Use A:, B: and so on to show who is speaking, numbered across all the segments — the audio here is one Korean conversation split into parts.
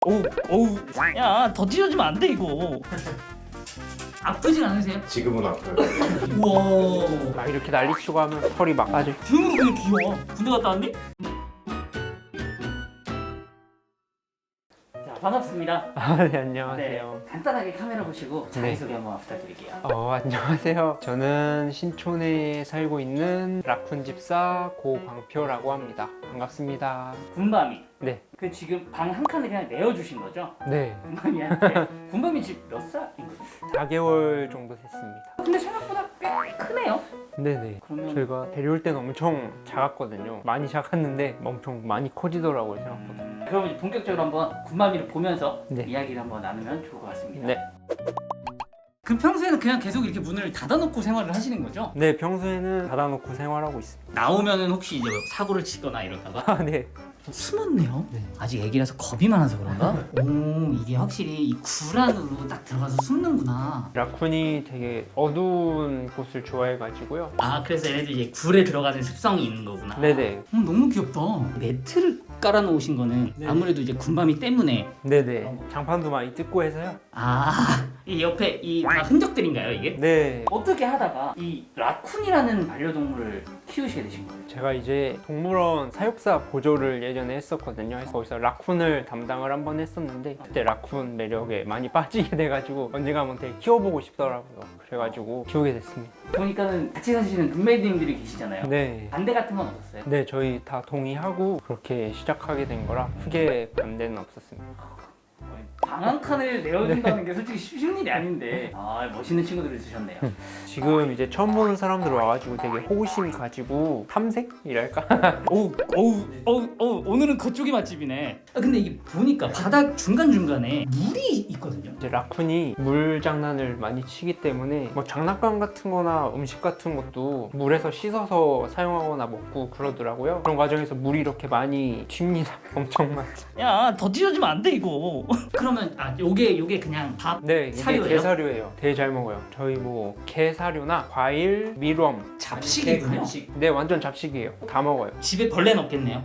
A: 어우, 야, 더 찢어지면 안 돼, 이거. 아프진 않으세요?
B: 지금은 아파요.
A: 우와.
C: 막 이렇게 난리치고 하면 털이 막 빠져.
A: 등으로 그냥 귀여워. 군대 갔다 왔니? 자, 반갑습니다.
C: 네, 안녕하세요.
A: 간단하게 카메라 보시고 자기소개 한번 부탁드릴게요.
C: 안녕하세요. 저는 신촌에 살고 있는 라쿤 집사 고광표라고 합니다. 반갑습니다.
A: 군밤이.
C: 네.
A: 그 지금 방 한 칸을 그냥 내어주신 거죠?
C: 네.
A: 군밤이한테. 군밤이 지금 몇 살인 거죠?
C: 4개월 정도 됐습니다.
A: 근데 생각보다 꽤 크네요.
C: 네네.
A: 그러면
C: 저희가 데려올 때는 엄청 작았거든요. 많이 작았는데 엄청 많이 커지더라고요, 생각보다.
A: 그럼 이제 본격적으로 한번 군밤이를 보면서
C: 네.
A: 이야기를 한번 나누면 좋을 것 같습니다.
C: 네.
A: 그럼 평소에는 그냥 계속 이렇게 문을 닫아놓고 생활을 하시는 거죠?
C: 네, 평소에는 닫아놓고 생활하고 있습니다.
A: 나오면은 혹시 이제 사고를 치거나 이럴까봐?
C: 아, 네.
A: 숨었네요.
C: 네.
A: 아직 애기라서 겁이 많아서 그런가? 오, 이게 확실히 이 굴 안으로 딱 들어가서 숨는구나.
C: 라쿤이 되게 어두운 곳을 좋아해가지고요.
A: 아, 그래서 얘네들 이제 굴에 들어가는 습성이 있는 거구나.
C: 네네.
A: 너무 귀엽다. 매트를 깔아놓으신 거는
C: 네.
A: 아무래도 이제 군밤이 때문에.
C: 네네. 장판도 많이 뜯고 해서요.
A: 아, 이 옆에 이 다 흔적들인가요, 이게?
C: 네.
A: 어떻게 하다가 이 라쿤이라는 반려동물을 키우시게 되신 거예요?
C: 제가 이제 동물원 사육사 보조를 예전에 했었거든요. 그래서 거기서 라쿤을 담당을 한번 했었는데 그때 라쿤 매력에 많이 빠지게 돼가지고 언젠가 한번 되게 키워보고 싶더라고요. 그래가지고 키우게 됐습니다.
A: 보니까는 같이 사시는 룸메이트님들이 계시잖아요.
C: 네.
A: 반대 같은 건 없었어요?
C: 네, 저희 다 동의하고 그렇게 시작하게 된 거라 크게 반대는 없었습니다.
A: 방 한 칸을 내어준다는 게 솔직히 쉬운 일이 아닌데 멋있는 친구들을 있으셨네요.
C: 지금 이제 처음 보는 사람들 와가지고 되게 호기심 가지고 탐색이랄까?
A: 오늘은 그쪽이 맛집이네. 근데 이게 보니까 바닥 중간중간에 물이 있거든요.
C: 이제 라쿤이 물 장난을 많이 치기 때문에 뭐 장난감 같은 거나 음식 같은 것도 물에서 씻어서 사용하거나 먹고 그러더라고요. 그런 과정에서 물이 이렇게 많이 튑니다. 엄청 많이.
A: 야, 더 찢어지면 안 돼 이거. 그러면 요게 그냥 밥
C: 네, 이게
A: 사료예요?
C: 게사료예요. 되게 잘 먹어요. 저희 뭐 게사료나 과일, 밀웜,
A: 잡식이군요.
C: 네, 완전 잡식이에요. 다 먹어요.
A: 집에 벌레는 없겠네요.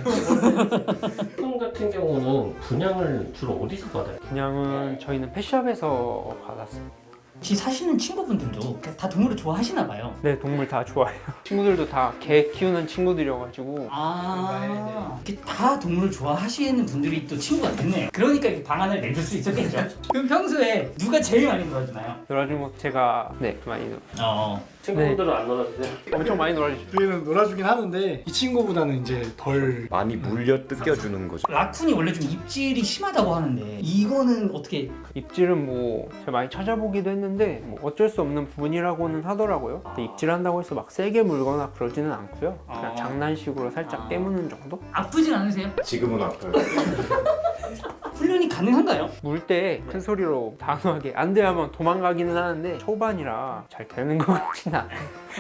B: 품 같은 경우는 분양을 주로 어디서 받아요?
C: 그냥은 저희는 펫샵에서 받았습니다.
A: 혹시 사시는 친구분들도 다 동물을 좋아하시나 봐요.
C: 네, 동물 다 좋아해요. 친구들도 다 개 키우는 친구들이어가지고
A: 이렇게 다 동물을 좋아하시는 분들이 또 친구가 됐네요. 그러니까 이렇게 방안을 내줄 수 있었겠죠. 그럼 평소에 누가 제일 많이 놀아주나요?
C: 놀아주고 제가 많이
B: 친구들은 안 놀아주세요?
C: 엄청 많이 놀아주죠.
D: 저희는 놀아주긴 하는데 이 친구보다는 이제 덜
B: 많이 물려 뜯겨주는 거죠.
A: 라쿤이 원래 좀 입질이 심하다고 하는데 이거는 어떻게?
C: 입질은 뭐 제가 많이 찾아보기도 했는데 뭐 어쩔 수 없는 부분이라고는 하더라고요. 근데 입질한다고 해서 막 세게 물거나 그러지는 않고요. 그냥 장난식으로 살짝 깨무는 정도?
A: 아프진 않으세요?
B: 지금은 아파요.
A: 훈련이 가능한가요?
C: 물 때 큰 소리로 단호하게 안 돼 하면 도망가기는 하는데 초반이라 잘 되는 것 같진 않아요.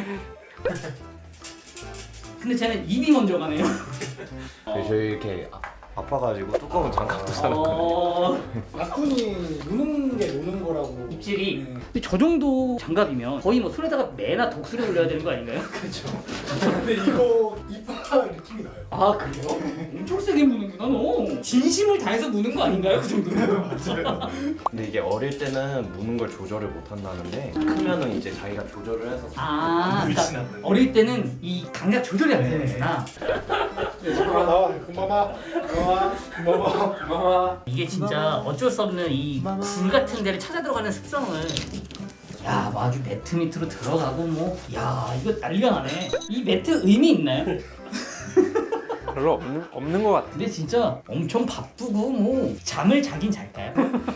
A: 근데 쟤는 입이 먼저 가네요.
B: 저희 이렇게 아파가지고 두꺼운 장갑도 사놨거든요.
D: 라쿤이 노는 게 노는 거라고.
A: 입질이.
D: 네.
A: 근데 저 정도 장갑이면 거의 뭐 손에다가 매나 독수리 올려야 되는 거 아닌가요?
D: 그렇죠. 근데 이거 이빨 느낌이 나요.
A: 아, 그래요? 엄청 세게 무는구나 너. 진심을 다해서 무는 거 아닌가요? 그 정도면?
D: 맞아요.
B: 근데 이게 어릴 때는 무는 걸 조절을 못 한다는데 크면은 이제 자기가 조절을 해서
A: 그러니까 어릴 때는 이 감각 조절이 안 되는구나.
D: 금방 나와. 금방 와. 금방 와.
A: 이게 진짜 어쩔 수 없는 이 굴 같은 데를 찾아 들어가는 습성을. 야, 뭐 아주 매트 밑으로 들어가고 뭐. 야, 이거 난리가 나네. 이 매트 의미 있나요?
C: 별로 없는 것 같아요.
A: 근데 진짜 엄청 바쁘고 뭐 잠을 자긴 잘까요?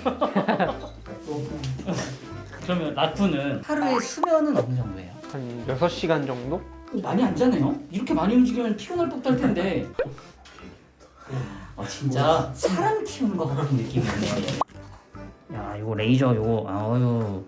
A: 그러면 라쿤은 하루에 수면은 어느 정도예요?
C: 한 6시간 정도?
A: 많이 안 자네요? 이렇게 많이 움직이면 피곤할 법도 할 텐데. 진짜 사람 키우는 것 같은 느낌이네요. 야, 이거 레이저 이거 아유.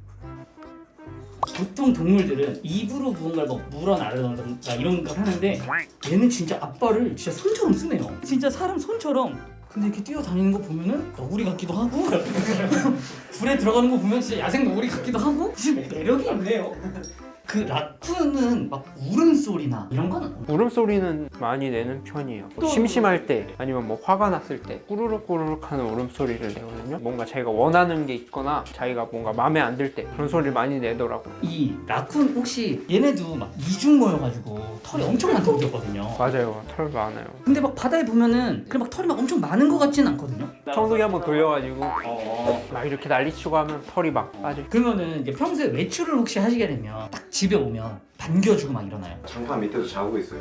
A: 보통 동물들은 입으로 무언가를 뭐 물어나르던가 이런 걸 하는데 얘는 진짜 앞발을 진짜 손처럼 쓰네요. 진짜 사람 손처럼. 근데 이렇게 뛰어다니는 거 보면은 너구리 같기도 하고 불에 들어가는 거 보면 진짜 야생 너구리 같기도 하고 진짜 매력이 있네요. 그 라쿤은 막 울음소리나 이런 건 없나요?
C: 울음소리는 많이 내는 편이에요. 뭐 심심할 때 아니면 뭐 화가 났을 때 꾸르륵 꾸르륵 하는 울음소리를 내거든요. 뭔가 자기가 원하는 게 있거나 자기가 뭔가 마음에 안 들 때 그런 소리를 많이 내더라고요.
A: 이 라쿤 혹시 얘네도 막 이중 모여가지고 털이 엄청 많다고 들었거든요.
C: 맞아요. 털 많아요.
A: 근데 막 바다에 보면은 그냥 막 털이 막 엄청 많은 것 같지는 않거든요.
C: 청소기 한번 돌려가지고 막 이렇게 난리치고 하면 털이 막 빠져.
A: 그러면은 이제 평소에 외출을 혹시 하시게 되면 딱 집에 오면 반겨주고 막 이러나요?
B: 장판 밑에서 자고 있어요.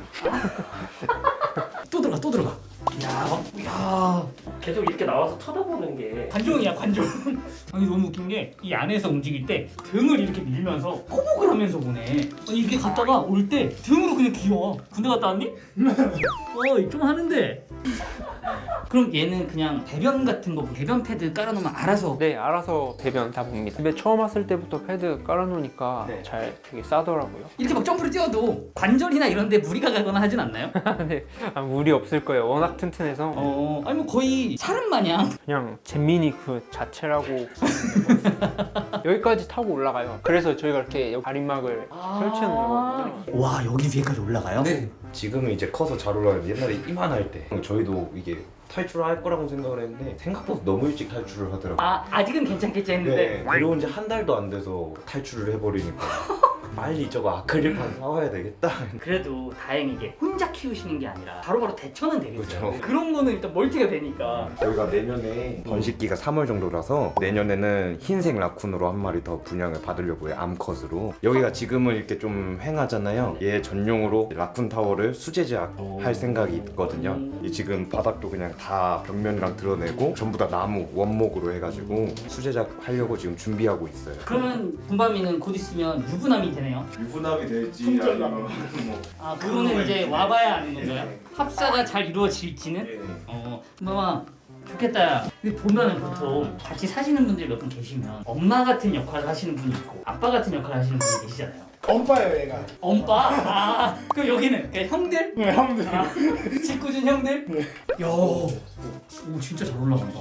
A: 또 들어가. 야,
E: 계속 이렇게 나와서 쳐다보는 게
A: 관종이야 관종. 아니 너무 웃긴 게 이 안에서 움직일 때 등을 이렇게 밀면서 호복을 하면서 보네. 아니 이렇게 갔다가 올 때 등으로 그냥 기어. 군대 갔다 왔니? 좀 하는데. 그럼 얘는 그냥 배변 같은 거 배변 패드 깔아놓으면 알아서.
C: 네, 알아서 배변 다 봅니다. 집에 처음 왔을 때부터 패드 깔아놓으니까
A: 네.
C: 잘 되게 싸더라고요.
A: 이렇게 막 점프를 뛰어도 관절이나 이런 데 무리가 가거나 하진 않나요?
C: 근데 무리 없을 거예요. 워낙 튼튼해서
A: 아니 뭐 거의 사람 마냥.
C: 그냥 잼민이 그 자체라고 여기까지 타고 올라가요. 그래서 저희가 이렇게 여기 가림막을 설치해 놓은 거거든요.
A: 와 여기 위에까지 올라가요?
B: 네. 지금은 이제 커서 잘 올라가는데 옛날에 이만할 때 저희도 이게 탈출할 거라고 생각을 했는데 생각보다 너무 일찍 탈출을 하더라고요.
A: 아직은 괜찮겠지 했는데.
B: 네, 데려온 지 한 달도 안 돼서 탈출을 해버리니까 빨리 저거 아크릴판 사와야 되겠다.
A: 그래도 다행이게 혼자 키우시는 게 아니라 바로바로 대처는 되겠어요.
B: 그쵸.
A: 그런 거는 일단 멀티가 되니까.
B: 저희가 내년에 번식기가 3월 정도라서 내년에는 흰색 라쿤으로 한 마리 더 분양을 받으려고 해요. 암컷으로. 여기가 지금은 이렇게 좀 횡하잖아요. 얘 전용으로 라쿤 타워를 수제작할 생각이 있거든요. 이 지금 바닥도 그냥 다 벽면이랑 드러내고 전부 다 나무 원목으로 해가지고 수제작 하려고 지금 준비하고 있어요.
A: 그러면 군밤이는 곧 있으면 유부남이 되네요.
D: 유부남이 될지 아니면 뭐
A: 그거는 이제 와봐야 아는 건가요? 합사가 잘 이루어질지는? 군밤아 좋겠다. 근데 보면은 보통 같이 사시는 분들이 몇 분 계시면 엄마 같은 역할을 하시는 분이 있고 아빠 같은 역할을 하시는 분이 계시잖아요.
D: 엄빠예요 얘가.
A: 엄빠? 그럼 여기는 그냥 형들?
D: 네, 형들.
A: 짓궂은 형들?
D: 네.
A: 야, 오 진짜 잘 올라간다.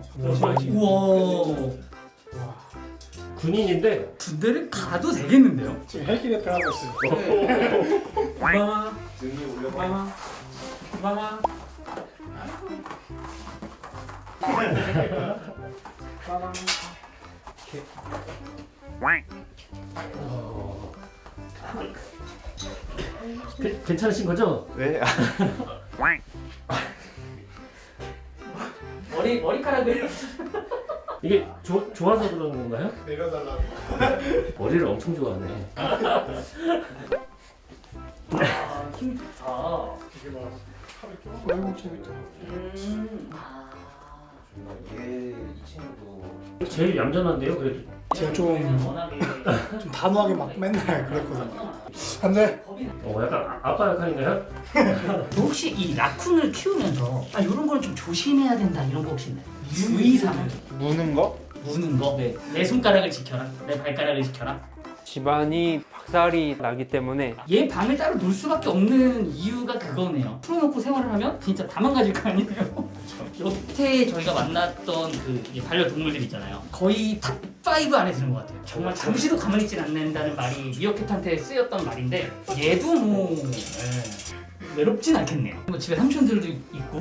A: 우와.
E: 군인인데
A: 군대를 가도 되겠는데요?
D: 지금 헬기를 들어가고 있어요.
E: 오바마
D: 등이 올려봐.
E: 오바마 오바마 괜찮으신 거죠?
B: 네.
A: 머리카락을
E: 이게 좋아서 그러는 건가요?
D: 내려달라고.
E: 머리를 엄청 좋아하네.
A: 힘 좋다.
D: 이게 막 팔을 껴. 아이고 재밌다.
B: 얘이 친구도
E: 제일 얌전한데요, 그래도.
D: 제가 좀
A: 워낙에
D: 단호하게 막 맨날 그랬거든요. 안돼.
E: 약간 아빠 역할인가요?
A: 혹시 이 라쿤을 키우면서 이런 거는 좀 조심해야 된다 이런 거 혹시 있나요? 주의사항.
C: 무는 거?
A: 무는 거? 네. 내 손가락을 지켜라. 내 발가락을 지켜라.
C: 집안이 박살이 나기 때문에
A: 얘 방을 따로 놓을 수밖에 없는 이유가 그거네요. 풀어놓고 생활을 하면 진짜 다 망가질 거 아니에요. 여태 저희가 만났던 그 반려동물들 있잖아요. 거의 탑5 안에 드는 것 같아요. 정말 잠시도 가만히 있진 않는다는 말이 미어캣한테 쓰였던 말인데 얘도 뭐 외롭진 않겠네요. 뭐 집에 삼촌들도 있고.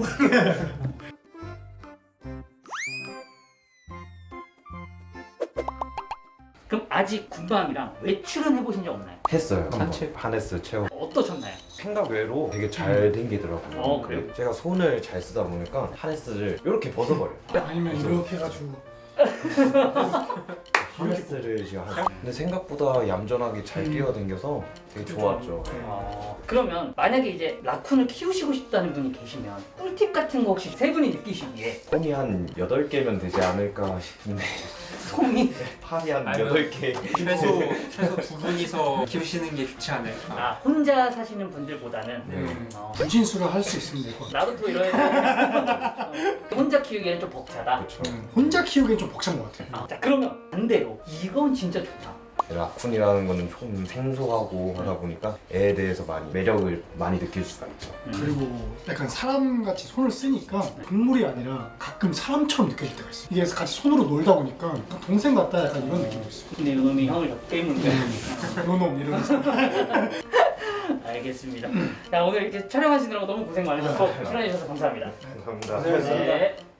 A: 그럼 아직 군밤이랑 외출은 해보신 적 없나요?
B: 했어요.
C: 산책.
B: 하네스 채워.
A: 어떠셨나요?
B: 생각 외로 되게 잘 댕기더라고요.
A: 그래요?
B: 제가 손을 잘 쓰다 보니까 하네스를 이렇게 벗어버려요.
D: 아니면 이렇게 해가지고.
B: 하네스를 제가 하고. 근데 생각보다 얌전하게 잘 뛰어댕겨서 되게 좋았죠.
A: 그러면 만약에 이제 라쿤을 키우시고 싶다는 분이 계시면 꿀팁 같은 거 혹시 세 분이 느끼시기에
B: 폼이 한 8개면 되지 않을까 싶은데
A: 솜이
B: 판이 한
C: 아니면-
B: 8개.
C: 최소 두 분이서 키우시는 게 좋지 않을까.
A: 혼자 사시는 분들보다는
D: 분신술을 할 수 있으면 되고.
A: 나도 또 이래야 돼. 혼자 키우기에는 좀 벅차다.
B: 그렇죠.
D: 혼자 키우기엔 좀 벅찬 것 같아요.
A: 자 그러면 반대로 이건 진짜 좋다.
B: 라쿤이라는 거는 좀 생소하고 하다 보니까 애에 대해서 많이 매력을 많이 느낄 수가 있죠.
D: 그리고 약간 사람같이 손을 쓰니까 동물이 아니라 가끔 사람처럼 느껴질 때가 있어. 이게 같이 손으로 놀다 보니까 동생 같다 약간 이런 느낌도 있어.
A: 근데 이놈이 형을 저 때문에.
D: 노놈 이러면서.
A: 알겠습니다. 자 오늘 이렇게 촬영하시느라고 너무 고생 많으셨고 출연해 주셔서 감사합니다.
B: 감사합니다.
A: 네.